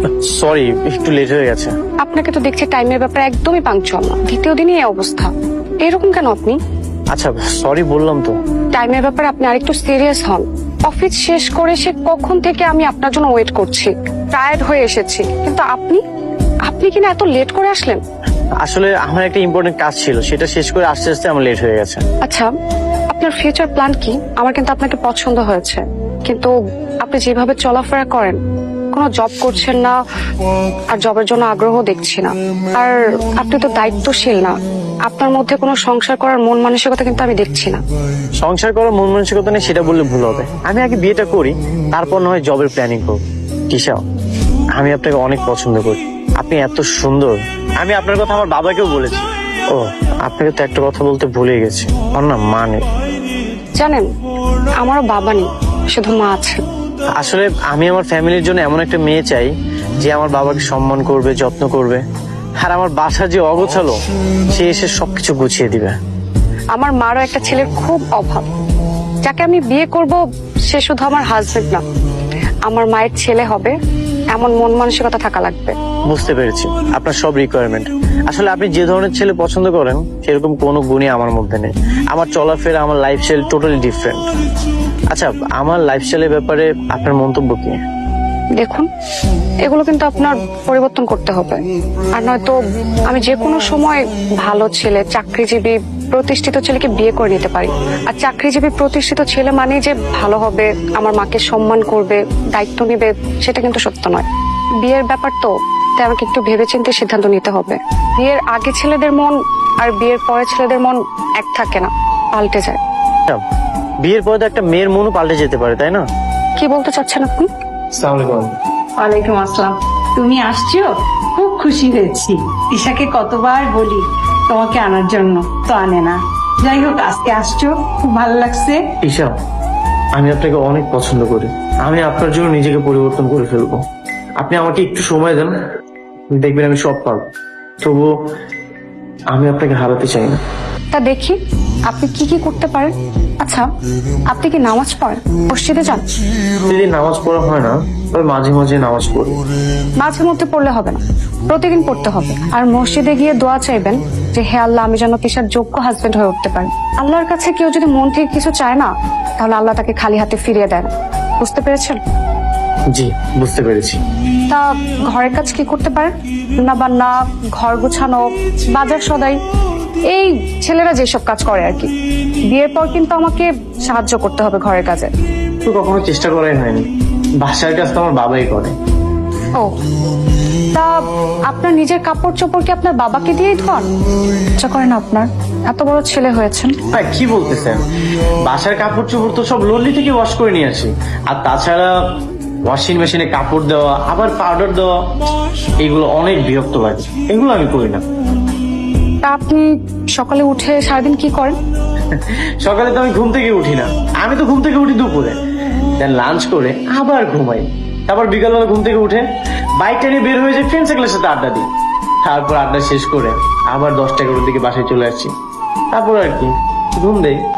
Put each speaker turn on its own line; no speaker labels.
Sorry, একটু late হয়ে গেছে।
আপনাকে তো দেখছি টাইমের ব্যাপারে একদমই পাংচুয়াল না, দ্বিতীয় দিনই এই অবস্থা। এরকম কেন আপনি?
আচ্ছা সরি বললাম তো।
টাইমের ব্যাপারে আপনি আরেকটু সিরিয়াস হন। অফিস শেষ করে সে কখন থেকে আমি আপনার জন্য ওয়েট করছি, টায়ার্ড হয়ে এসেছি, কিন্তু আপনি আপনি কিনা এত লেট করে আসলেন।
আসলে আমার একটা ইম্পর্টেন্ট কাজ ছিল, সেটা শেষ করে আস্তে আস্তে আমার লেট হয়ে গেছে।
আচ্ছা, আপনার ফিউচার প্ল্যান কি? আমার কিন্তু আপনাকে পছন্দ হয়েছে, কিন্তু আপনি যেভাবে চলাফেরা করেন, কোনো জব করছেন না, আর জবের জন্য আগ্রহ দেখছি না, আর আপনি তো দায়িত্বশীল না, আপনার মধ্যে কোনো সংসার করার মন মানসিকতা কিন্তু আমি দেখছি না।
সংসার করার মন মানসিকতা নেই সেটা বললে ভুল হবে। আমি আগে বিয়েটা করি, তারপর না হয় জবের প্ল্যানিং করব। তিশা, আমি আপনাকে অনেক পছন্দ করি, আপনি এত সুন্দর। আমি আপনার কথা আমার বাবাকেও বলেছি। ও, আপনাকে তো একটা কথা বলতে ভুলে গেছি, আমার না মা নেই।
জানেন, আমারও বাবা নেই, শুধু মা আছে।
আসলে আমি আমার ফ্যামিলির জন্য এমন একটা মেয়ে চাই যে আমার বাবাকে সম্মান করবে, যত্ন করবে, আর আমার বাসা যে অগোছালো সে এসে সবকিছু গুছিয়ে দিবে।
আমার মারও একটা ছেলের খুব অভাব, যাকে আমি বিয়ে করব সে শুধু আমার হাজবেন্ড না, আমার মায়ের ছেলে হবে এমন মন মানসিকতা থাকা লাগবে।
বুঝতে পেরেছি আপনার সব রিকোয়ারমেন্ট। আসলে আপনি যে ধরনের ছেলে পছন্দ করেন সেরকম কোনো গুণই আমার মধ্যে নেই। আমার চলাফেরা, আমার লাইফস্টাইল টোটালি ডিফারেন্ট। আচ্ছা, আমার লাইফস্টাইলের ব্যাপারে আপনার মন্তব্য কি?
দেখুন, এগুলো কিন্তু আপনার পরিবর্তন করতে হবে, আর নয়তো আমি যে কোনো সময় ভালো ছেলে, চাকরিজীবী, প্রতিষ্ঠিত ছেলেকে বিয়ে করে নিতে পারি। আর চাকরিজীবী প্রতিষ্ঠিত ছেলে মানে যে ভালো হবে, আমার মাকে সম্মান করবে, দায়িত্ব নেবে, সেটা কিন্তু সত্য নয়। বিয়ের ব্যাপার তো, তাই আমাকে একটু ভেবেচিন্তে সিদ্ধান্ত নিতে হবে। বিয়ের আগে ছেলেদের মন আর বিয়ের পরে ছেলেদের মন এক থাকে না, পাল্টে যায়।
আচ্ছা, বিয়ের পরে তো একটা মেয়ের মনও পাল্টে যেতে পারে, তাই না?
কি বলতে চাচ্ছেন আপনি?
আসসালামু আলাইকুম।
ওয়ালাইকুম আসসালাম। তুমি আসছো, খুব খুশি হয়েছি। তিশাকে কতবার বলি তোমাকে আনার জন্য, তো আনে না। যাই হোক, আজকে আসছো, খুব ভালো লাগছে।
ঈশা, আমি আপনাকে অনেক পছন্দ করি, আমি আপনার জন্য নিজেকে পরিবর্তন করে ফেলবো। আপনি আমাকে একটু সময় দেন, দেখবেন আমি সব পারবো। তবুও আমি আপনাকে হারাতে চাই না।
তা দেখি আপনি কি কি করতে পারেন। আচ্ছা, আপনি কি নামাজ পড়েন? মসজিদে যান?
যদি নামাজ পড়া হয় না, তবে মাঝে মাঝে নামাজ পড়ি।
মাঝে মধ্যে পড়লে হবে না, প্রতিদিন পড়তে হবে। আর মসজিদে গিয়ে দোয়া চাইবেন যে হে আল্লাহ, আমি যেন তিশার যোগ্য হাজবেন্ড হয়ে উঠতে পারি। আল্লাহর কাছে কেউ যদি মন থেকে কিছু চায় না, তাহলে আল্লাহ তাকে খালি হাতে ফিরিয়ে দেন। বুঝতে পেরেছেন?
জি, বুঝতে পেরেছি।
তা ঘরের কাজ কি করতে পারেন? রান্না বান্না, ঘর গোছানো, বাজার সদাই, এই ছেলেরা যেসব কাজ করে আর কি। বিয়ের পর কিন্তু আমাকে সাহায্য করতে হবে ঘরের কাজে।
তো কখনো চেষ্টা করাই হয়নি, বাসার কাজ তো আমার বাবাই করে।
ও, তা আপনার নিজের কাপড় চোপড় কি আপনার বাবাকে দিয়েই ধোয়ান? ইচ্ছা করেন আপনার? এত বড় ছেলে হয়েছেন।
ভাই কি বলতেছেন? বাসার কাপড় চোপড় তো সব লল্লি থেকে ওয়াশ করে নিয়ে আসি। আর তাছাড়া ওয়াশিং মেশিনে কাপড় দেওয়া, আবার পাউডার দেওয়া, এগুলো অনেক বিরক্ত লাগে, এগুলো আমি করি না।
তা আপনি সকালে উঠে সারাদিন কি করেন?
সকালে তো আমি ঘুম থেকে উঠি না, আমি তো ঘুম থেকে উঠি দুপুরে, দেন লাঞ্চ করে আবার ঘুমাই। তারপর বিকালবেলা ঘুম থেকে উঠে বাইকটা নিয়ে বের হয়ে যায়, ফ্রেন্ড সার্কেলের সাথে আড্ডা দিই। তারপর আড্ডা শেষ করে আবার 10টা 11টার দিকে বাসায় চলে আসছি। তারপর আর কি, ঘুম দেই।